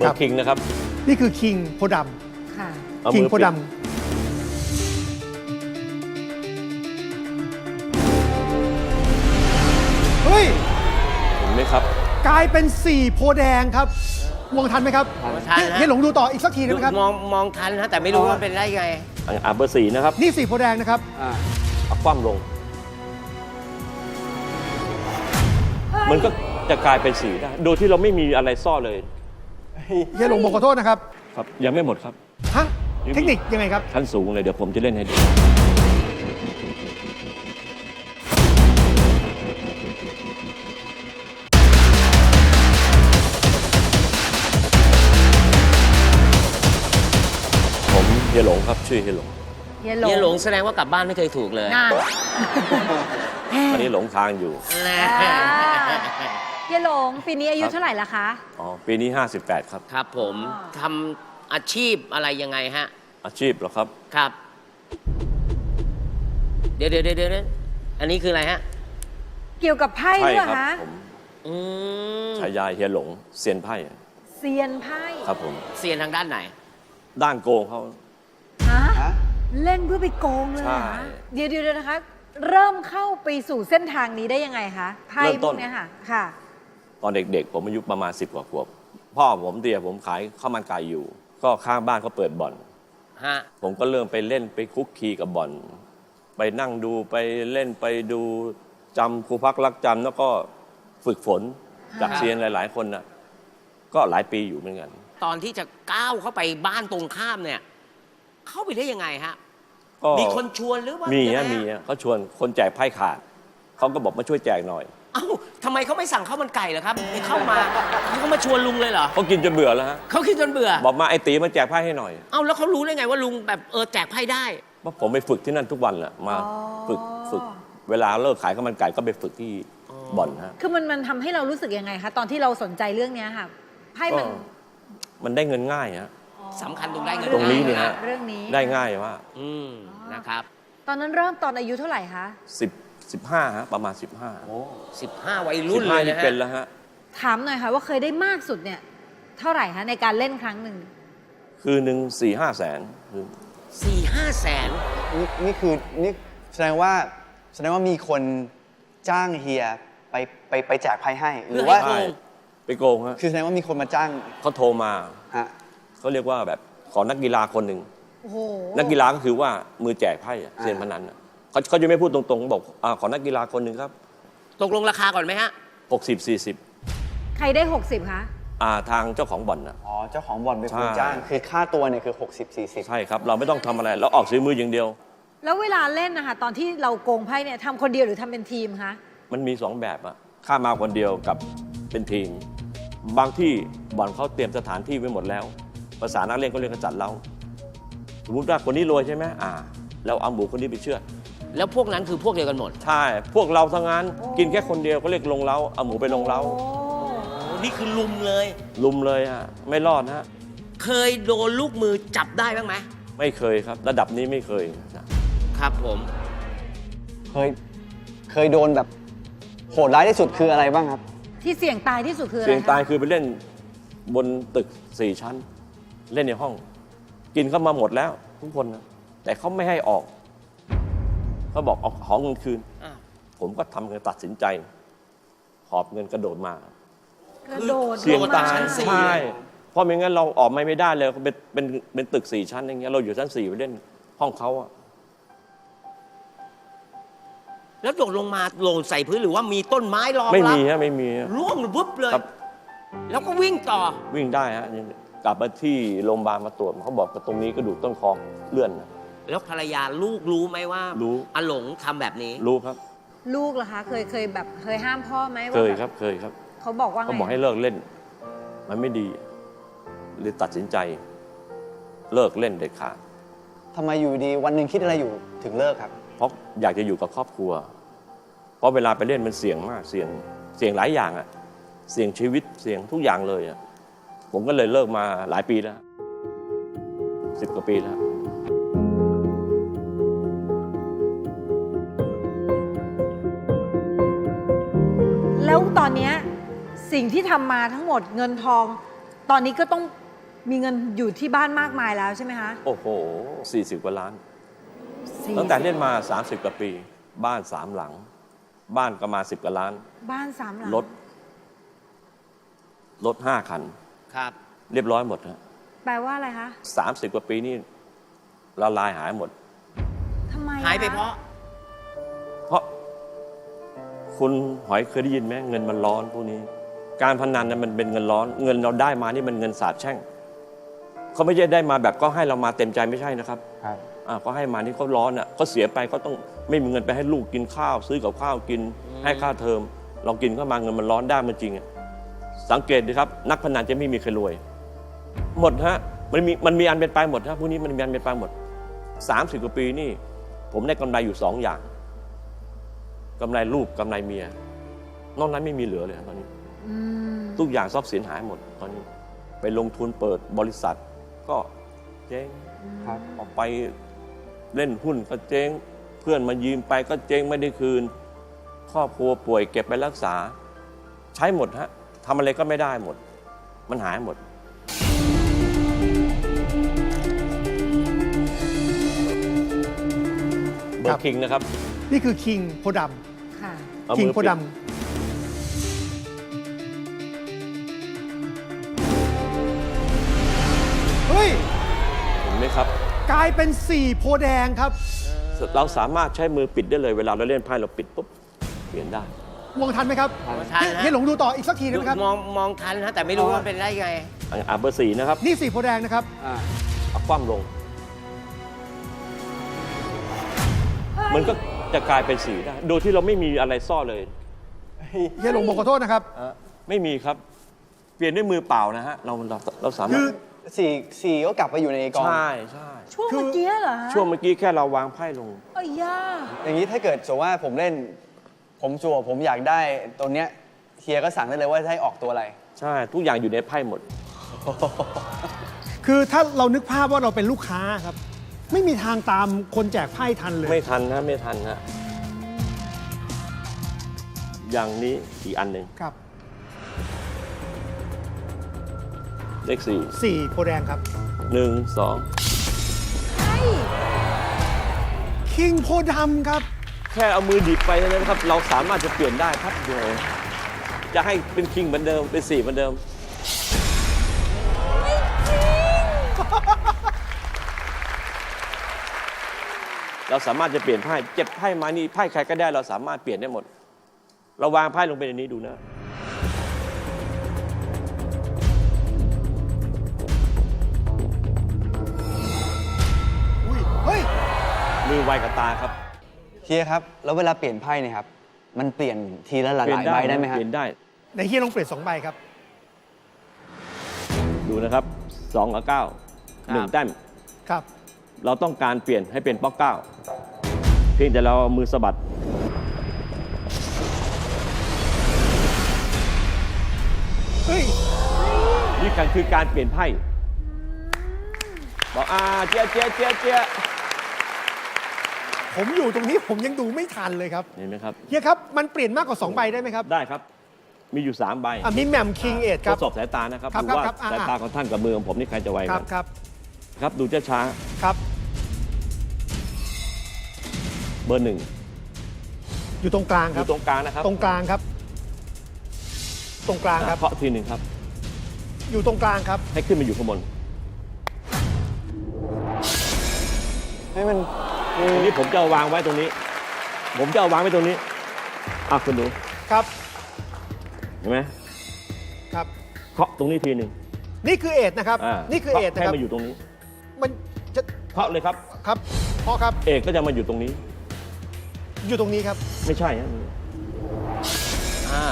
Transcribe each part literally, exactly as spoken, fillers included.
บอร์คิงนะครับนี่คือคิงโพดำค่ะำคิงโพดำเฮ้ยเห็นไหมครับกลายเป็นสี่โพแดงครับมองทันไหมครับทันฮะให้หลงดูต่ออีกสักทีได้ไหมครับมองมองทันฮะแต่ไม่รู้ว่าเป็นได้ไงอ่าเบอร์สี่นะครับนี่สี่โพแดงนะครับเอาคว่ำลง มันก็จะกลายเป็นสีได้โดยที่เราไม่มีอะไรซ่อนเลยเฮียหลงบอกขอโทษนะครับครับยังไม่หมดครับฮะเทคนิคยังไงครับชั้นสูงเลยเดี๋ยวผมจะเล่นให้ดูผมเฮียหลงครับชื่อเฮียหลงเฮียเฮียหหลลงงแสดงว่ากลับบ้านไม่เคยถูกเลยน่าตอนนี้หลงทางอยู่แน่เฮียหลงปีนี้อายุเท่าไหร่ละคะอ๋อปีนี้ห้าสิบแปดครับครับผมทำอาชีพอะไรยังไงฮะอาชีพเหรอครับครับ เดี๋ยวเดี๋ยวเดี๋ยวเดี๋ยวอันนี้คืออะไรฮะเกี่ยวกับไพ่ใช่ด้วยครัคะผมอืมฉายาเฮียหลงเซียนไพ่เซียนไพ่ครับผมเซียนทางด้านไหนด้านโกงเขาฮะเล่นเพื่อไปโกงเลยเหรอใช่คะเดี๋ยวเดี๋ยวนะคะ เริ่มเข้าไปสู่เส้นทางนี้ได้ยังไงคะไพ่เริ่มพต้วน กเนี้ยค่ะค่ะตอนเด็กๆ ผมอายุประมาณสิบกว่าขวบพ่อผมเตียผมขายข้าวมันไก่อยู่ ก็ข้างบ้านเขาเปิดบ่อนฮะผมก็เริ่มไปเล่นไปคุกคีกับบ่อน ไปนั่งดูไปเล่นไปดูจำครูพักรักจำแล้วก็ฝึกฝนจากเซียนหลายๆคนนะก็หลายปีอยู่เหมือนกันตอนที่จะก้าวเข้าไปบ้านตรงข้ามเนี่ย เข้าไปได้ยังไงฮะก็มีคนชวนหรือว่ามียังไงฮะมีฮะเขาชวนคนแจกไพ่ขาดเขาก็บอกมาช่วยแจกหน่อยเอ้าทำไมเขาไม่สั่งข้าวมันไก่เหรอครับไม่เข้ามาเขามาชวนลุงเลยเหรอเขากินจนเบื่อแล้วฮะเขาคิดจนเบื่อบอกมาไอ้ตีมาแจกไพ่ให้หน่อยเอ้าแล้วเขารู้ได้ไงว่าลุงแบบเออแจกไพ่ได้เพราะผมไปฝึกที่นั่นทุกวันแหละมาฝึกฝึก เวลาเลิกขายข้าวมันไก่ก็ไปฝึกที่บ่อนฮะคือมันมันทำให้เรารู้สึกยังไงคะตอนที่เราสนใจเรื่องเนี้ยค่ะไพ่ก็มันมันได้เงินง่ายฮะสำคัญตรงได้เงินตรงนี้เนี่ยง่าฮะเรื่องนี้ได้ง่ายว่าอืมนะครับตอนนั้นเริ่มตอนอายุเท่าไหร่คะสิบสิบห้าฮะประมาณสิบห้าสิบห้าวัยรุ่นสิบเลห้ายนะนี่ฮะเป็นแล้วฮะถามหน่อยค่ะว่าเคยได้มากสุดเนี่ย เท่าไหร่คะในการเล่นครั้งหนึ่งคือหนึ่งสี่ห้าแสนคือสี่ห้าแสนนี่นี่คือนี่แสดงว่าแสดงว่ามีคนจ้างเฮียไปไปไปแจกไพ่ให้ หรือว่าใช่ไปโกงฮะคือแสดงว่ามีคนมาจ้างเขาโทรมาฮะเขาเรียกว่าแบบขอนักกีฬาคนหนึ่งโอ้โหนักกีฬาก็คือว่ามือแจกไพ่อะเซียนพนันอะเขาเขาจะไม่พูดตรงๆบอกอาขอนักกีฬาคนหนึ่งครับตกลงราคาก่อนไหมฮะหกสิบสี่สิบใครได้หกสิบคะอ่าทางเจ้าของบ่อนนะอ๋อเจ้าของบ่อนเป็นคนใช่จ้าง คือค่าตัวเนี่ยคือหกสิบ สี่สิบใช่ครับ เราไม่ต้องทำอะไรเราออกซื้อมืออย่างเดียวแล้วเวลาเล่นนะคะตอนที่เราโกงไพ่เนี่ยทำคนเดียวหรือทำเป็นทีมคะมันมีสองแบบอะข้ามาคนเดียวกับเป็นทีม บางที่บ่อนเขาเตรียมสถานที่ไว้หมดแล้ว ภาษานักเล่นเขาเรียกกระจัดเล้าสมมติว่าคนนี้รวยใช่ไหมอ่าเราเอาหมูคนนี้ไปเชื่อดแล้วพวกนั้นคือพวกเดียวกันหมดใช่ พวกเราทั้งนั้นกินแค่คนเดียวก็เรียกลงเล้าเอาหมูไปลงเล้าโอ้โอ้นี่คือลุมเลยลุมเลยฮะไม่รอดฮะเคยโดนลูกมือจับได้บ้างไหมไม่เคยครับ ระดับนี้ไม่เคยนะครับผมเคยเคยโดนแบบโหดร้ายที่สุดคืออะไรบ้างครับที่เสี่ยงตายที่สุดคืออะไรเสียงคะตายคือไปเล่นบนตึกสี่ชั้น เล่นในห้อง กินเข้ามาหมดแล้วทุกคนนะแต่เขาไม่ให้ออกเขาบอกเอาของเงินคืนอ้าวผมก็ทำเงินตัดสินใจ หอบเงินกระโดดมากระโดดเสี่ยงลมตายชั้นสี่ใช่เพราะไม่งั้นเราออกไม่ได้เลยเป็นเป็นเป็นตึกสี่ชั้นอย่างเงี้ยเราอยู่ชั้นสี่ไปเล่นห้องเขาอะแล้วโดดลงมาโหล่นใส่พื้นหรือว่ามีต้นไม้รองรับไม่มีฮะไม่มีฮะร่วงวุบเลยครับแล้วก็วิ่งต่อวิ่งได้ฮะกลับมาที่โรงพยาบาลมาตรวจเขาบอกว่าตรงนี้กระดูกต้นคอเลื่อนนะแล้วภรรยาลูกรู้ไหมว่ารู้อาหลงทำแบบนี้รู้ครับลูกเหรอคะเคยเคยแบบเคยห้ามพ่อไหมว่าเคยแบบครับเคยครับเขาบอกว่าไงเขาบอกให้เลิกเล่น มันไม่ดีเลยตัดสินใจ เลิกเล่นเด็ดขาดทำไมอยู่ดีวันหนึ่งคิดอะไรอยู่ถึงเลิกครับเพราะอยากจะอยู่กับครอบครัว เพราะเวลาไปเล่นมันเสี่ยงมากเสี่ยงเสี่ยงหลายอย่างอะเสี่ยงชีวิตเสี่ยงทุกอย่างเลยอะผมก็เลยเลิกมาหลายปีแล้วสิบกว่าปีแล้วแล้วตอนเนี้ยสิ่งที่ทำมาทั้งหมดเงินทองตอนนี้ก็ต้องมีเงินอยู่ที่บ้านมากมายแล้วใช่ไหมคะโอ้โหสี่สิบกว่าล้านสี่ตั้งแต่เล่นมา สามสิบ กว่าปี บ้านสามหลัง บ้านก็มาสิบกว่าล้านบ้านสามหลังรถ รถห้าคันครับเรียบร้อยหมดฮะแปลว่าอะไรคะสามสิบกว่าปีนี่ละลายหายหมดทำไมอะหายไปเพราะเพราะคุณหอยเคยได้ยินไหมเงินมันร้อนพวกนี้ การพนันนั้นมันเป็นเงินร้อน เงินเราได้มานี่มันเงินสาบแช่งเขาไม่ใช่ได้มาแบบก็ให้เรามาเต็มใจไม่ใช่นะครับครับอ่าก็ให้มานี่เขาร้อนอ่ะเขาเสียไปเขาต้องไม่มีเงินไปให้ลูกกินข้าว ซื้อกับข้าวกินให้ค่าเทอม เรากินเข้ามาเงินมันร้อนได้มันจริงอ่ะสังเกตดูครับ นักพนันจะไม่มีใครรวย หมดฮะมันมีมันมีอันเป็นไปหมดฮะพวกนี้มันมีอันเป็นไปหมดสามสิบกว่าปีนี่ ผมได้กำไรอยู่สองอย่างกำไรลูกกำไรเมียนอกนั้นไม่มีเหลือเลยตอนนี้อืมทุกอย่างทรัพย์สินหายหมดตอนนี้ ไปลงทุนเปิดบริษัท ก็เจ๊งครับออกไปเล่นหุ้นก็เจ๊ง เพื่อนมายืมไปก็เจ๊งไม่ได้คืน ครอบครัวป่วยเก็บไปรักษา ใช้หมดฮะทำอะไรก็ไม่ได้หมด มันหายหมด เบอร์คิงนะครับนี่คือคิงโพดค่ะเอาำคิงมือโพปิดดำเฮ้ยเห็นไหมครับกลายเป็นสี่โพแดงครับเราสามารถใช้มือปิดได้เลย เวลาเราเล่นไพ่เราปิดปุ๊บเปลี่ยนได้มองทันไหมครับทันฮะเฮียหลงดูต่ออีกสักทีได้ไหมครับมองมองทันนะแต่ไม่รู้ว่าเป็นได้ยังไงอ่าเบอร์สี่นะครับนี่สี่โพแดงนะครับอ่าเอาคว่ำลง มันก็จะกลายเป็นสีได้ โดยที่เราไม่มีอะไรซ่อนเลยเฮียหลงบอกขอโทษนะครับอ่ะไม่มีครับ เปลี่ยนด้วยมือเปล่านะฮะ เราเราเราสามารคืถอสี่สี่ก็กลับไปอยู่ในกองใช่ใช่ช่วงเมื่อกี้เหรอฮะช่วงเมื่อกี้แค่เราวางไพ่ลงเอ้ยย่าอย่างนี้ถ้าเกิดสมมติว่าผมเล่น ผมจั่วผมอยากได้ตัวเนี้ยเฮียก็สั่งได้เลยว่าจะให้ออกตัวอะไรใช่ ทุกอย่างอยู่ในไพ่หมดคือถ้าเรานึกภาพว่าเราเป็นลูกค้าครับ ไม่มีทางตามคนแจกไพ่ทันเลยไม่ทันนะไม่ทันนะอย่างนี้อีกอันหนึ่งครับเลขสี่สี่โพแดงครับหนึ่งสองคิงโพดำครับแค่เอามือดิบไปเท่านั้นครับ เราสามารถจะเปลี่ยนได้ครับเดียวจะให้เป็นคิงเหมือนเดิม เป็นสี่เหมือนเดิม เราสามารถจะเปลี่ยนไพ่เจ็บไพ่มานี่ไพ่ใครก็ได้เราสามารถเปลี่ยนได้หมด เราวางไพ่ลงไปในนี้ดูนะอุ้ย เฮ้ยมือไวกับตาครับเฮียครับ แล้วเวลาเปลี่ยนไพ่เนี่ยครับ มันเปลี่ยนทีละหลายเปลี่ยนๆใบได้ไหมนะฮะเปลี่ยนได้ในเฮียลองเปลี่ยนสองใบครับดูนะครับสองกับเก้าครับหนึ่งแต้มครับเราต้องการเปลี่ยนให้เป็นป๊อกเก้าเพียงแต่เราเอามือสะบัดเฮ้ยนี่การคือการเปลี่ยนไพ่บอกอ่าเจี๊ยเจี๊ยเจี๊ยเจี๊ยผมอยู่ตรงนี้ผมยังดูไม่ทันเลยครับเห็นไหมครับเฮียครับ มันเปลี่ยนมากกว่าสองใบได้ไหมครับได้ครับ มีอยู่สามใบอ่ะมีแหม่มคิงเอทคทรับดสอบสายตานะครับครับดูว่าครับอ่าสายตาของท่านกับมือของผมนี่ใครจะไวครักับ นครับครับ ดูช้าครับๆเบอร์หนึ่งอยู่ตรงกลางอครับยู่ตรงกลางนะครับตรงกลางครับ ตรงกลางครับเคาะทีหนึ่งครับอยู่ตรงกลางครับให้ขึ้นมาอยู่ข้างบนให้มันอันนี้ผมจะเอาวางไว้ตรงนี้ ผมจะเอาวางไว้ตรงนี้อ่ะคุณดูครับเห็นไหมครับเคาะตรงนี้ทีหนึ่งนี่คือเอทนะครับอ่านี่คือเอทให้นะครับมาอยู่ตรงนี้มันจะเคาะเลยครับครับพอครับเอกก็จะมาอยู่ตรงนี้อยู่ตรงนี้ครับไม่ใช่ฮะอ่า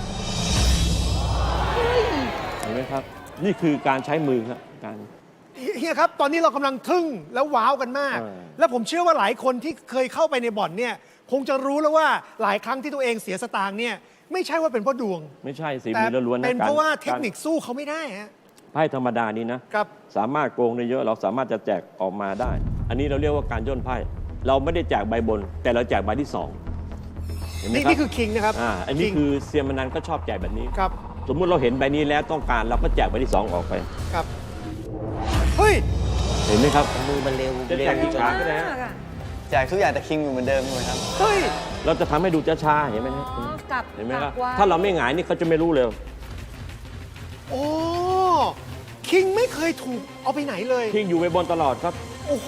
เห็นไหมครับ นี่คือการใช้มือครับการเฮียครับ ตอนนี้เรากำลังทึ่งแล้วว้าวกันมากเออแล้วผมเชื่อว่าหลายคนที่เคยเข้าไปในบ่อนเนี่ยคงจะรู้แล้วว่าหลายครั้งที่ตัวเองเสียสตางค์เนี่ยไม่ใช่ว่าเป็นเพราะดวงไม่ใช่สีแต่มือล้วนๆนะเป็นกเพราะว่าเทคนิคสู้เขาไม่ได้ฮะไพ่ธรรมดานี้นะครับ สามารถโกงได้เยอะเราสามารถจะแจกออกมาได้ อันนี้เราเรียกว่าการย่นไพ่เราไม่ได้แจกใบบน แต่เราแจกใบที่สองเห็นไหมนี่ครับนี่คือคิงนะครับอ่าอันนี้ King คือเซียนมนันก็ชอบแจกแบบนี้ครับสมมุติเราเห็นใบนี้แล้วต้องการเราก็แจกใบที่สองออกไปครับ เฮ้ยเห็นไหมครับมือมันเร็วจะแจกกี่ครั้งก็ได้ฮะมากอะแจกทุกอย่างแต่คิงอยู่เหมือนเดิมใช่ไหมครับเฮ้ยเราจะทำให้ดูช้าๆเห็นไหมฮะอ๋อกลับเห็นไหมกคลัรับบ ไว้ถ้าเราไม่หงายนี่เขาจะไม่รู้เลยโอ้ คิงไม่เคยถูกเอาไปไหนเลยทิ้งอยู่ไว้บนตลอดครับโอ้โห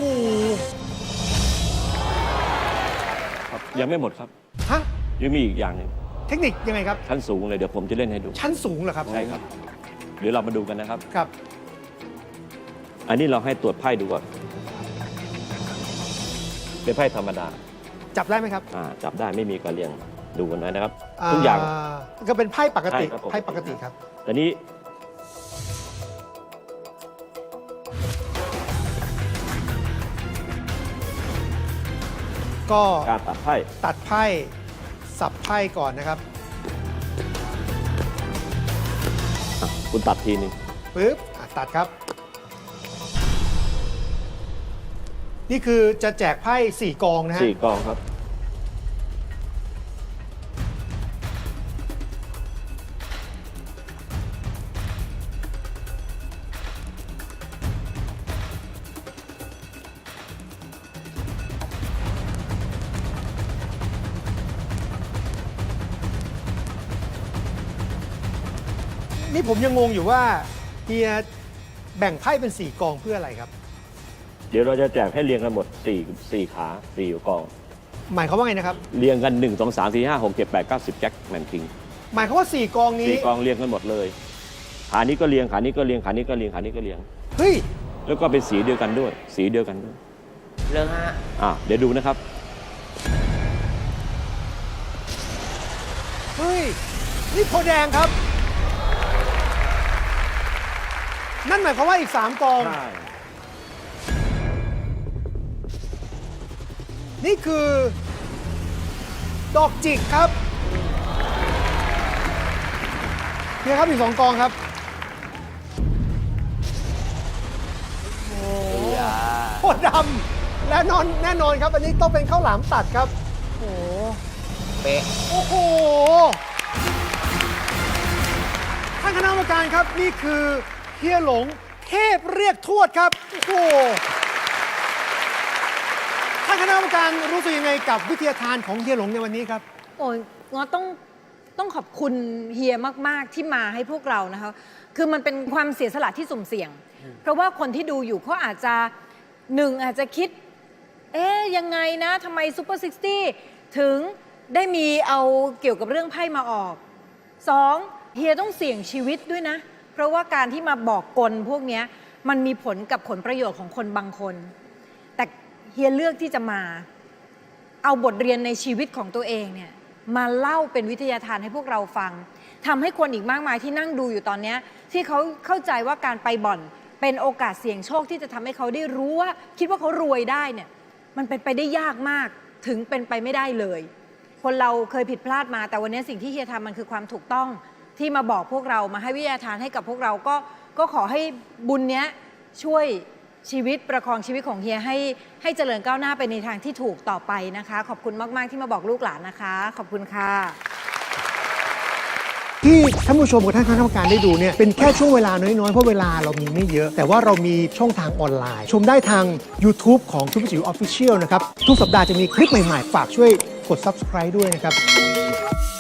ครับ ยังไม่หมดครับฮะยังมีอีกอย่างหนึ่งเทคนิคยังไงครับชั้นสูงเลยเดี๋ยวผมจะเล่นให้ดูชั้นสูงเหรอครับใช่ครับเดี๋ยวเรามาดูกันนะครับครับอันนี้เราให้ตรวจไพ่ดูก่อนเป็นไพ่ธรรมดาจับได้ไหมครับอ่าจับได้ไม่มีการเรียงดูกันนะครับ ทุกอย่างก็เป็นไพ่ปกติใช่ครับผมไพ่ปกติครับแต่นี้ก็การตัดไพ่ตัดไพ่สับไพ่ก่อนนะครับอ่ะคุณตัดทีนึงปึ๊บอ่ะตัดครับ นี่คือจะแจกไพ่สี่กองนะฮะสี่กองครับนี่ผมยังงงอยู่ว่าเฮียแบ่งไพ่เป็นสี่กองเพื่ออะไรครับเดี๋ยวเราจะแจกให้เรียงกันหมดสี่สี่ขาสี่กองหมายความว่าไงนะครับเรียงกันหนึ่งสองสามสี่ห้าหกเจ็ดแปดเก้าสิบแจ็คแมนคิงหมายความว่าสี่กองนี้สี่กองเรียงกันหมดเลยขานี้ก็เรียงขานี้ก็เรียงขานี้ก็เรียงขานี้ก็เรียงเฮ้ยแล้วก็เป็นสีเดียวกันด้วย สีเดียวกันด้วยเรื่องฮะอ่ะเดี๋ยวดูนะครับเฮ้ย นี่โพธิ์แดงครับ นั่นหมายความว่าอีกสามกองใช่นี่คือ ดอกจิกครับเฮียครับอีกสองกองครับ โอ้โหดำและนอนแน่นอนครับ อันนี้ต้องเป็นข้าวหลามตัดครับ โอ้โหเป๊ะโอ้โห ท่านคณะกรรมการครับ นี่คือเฮียหลงเทพเรียกทวดครับ โอ้โห ท่านคณะกรรมการรู้สึกยังไงกับวิทยาทานของเฮียหลงในวันนี้ครับโอ้ยงอต้องต้องขอบคุณเฮียมาก ๆ ที่มาให้พวกเรานะคะ คือมันเป็นความเสียสละที่สุ่มเสี่ยง เพราะว่าคนที่ดูอยู่เขาอาจจะหนึ่งอาจจะคิด เอ๊ยยังไงนะทำไมซูเปอร์ซิกตี้ถึงได้มีเอาเกี่ยวกับเรื่องไพ่มาออกสองเฮียต้องเสี่ยงชีวิตด้วยนะ เพราะว่าการที่มาบอกกลพวกเนี้ยมันมีผลกับผลประโยชน์ของคนบางคน แต่เฮียเลือกที่จะมา เอาบทเรียนในชีวิตของตัวเองเนี่ยมาเล่าเป็นวิทยาทานให้พวกเราฟังทำให้คนอีกมากมายที่นั่งดูอยู่ตอนนี้ที่เขาเข้าใจว่าการไปบ่อนเป็นโอกาสเสี่ยงโชคที่จะทำให้เขาได้รู้ว่าคิดว่าเขารวยได้เนี่ยมันเป็นไปได้ยากมากถึงเป็นไปไม่ได้เลย คนเราเคยผิดพลาดมาแต่วันนี้สิ่งที่เฮียทำมันคือความถูกต้องที่มาบอกพวกเรามาให้วิทยาทานให้กับพวกเราก็ก็ขอให้บุญเนี้ยช่วยชีวิตประคองชีวิตของเฮียให้ให้เจริญก้าวหน้าไปในทางที่ถูกต่อไปนะคะ ขอบคุณมาก ๆ ที่มาบอกลูกหลานนะคะ ขอบคุณค่ะที่ท่านผู้ชมกับท่านคณะกรรมการได้ดูเนี่ยเป็นแค่ช่วงเวลาน้อย ๆ เพราะเวลาเรามีไม่เยอะ แต่ว่าเรามีช่องทางออนไลน์ ชมได้ทาง YouTube ของทุกจิ๋วออฟฟิเชียลนะครับ ทุกสัปดาห์จะมีคลิปใหม่ ๆ ฝากช่วยกด Subscribe ด้วยนะครับ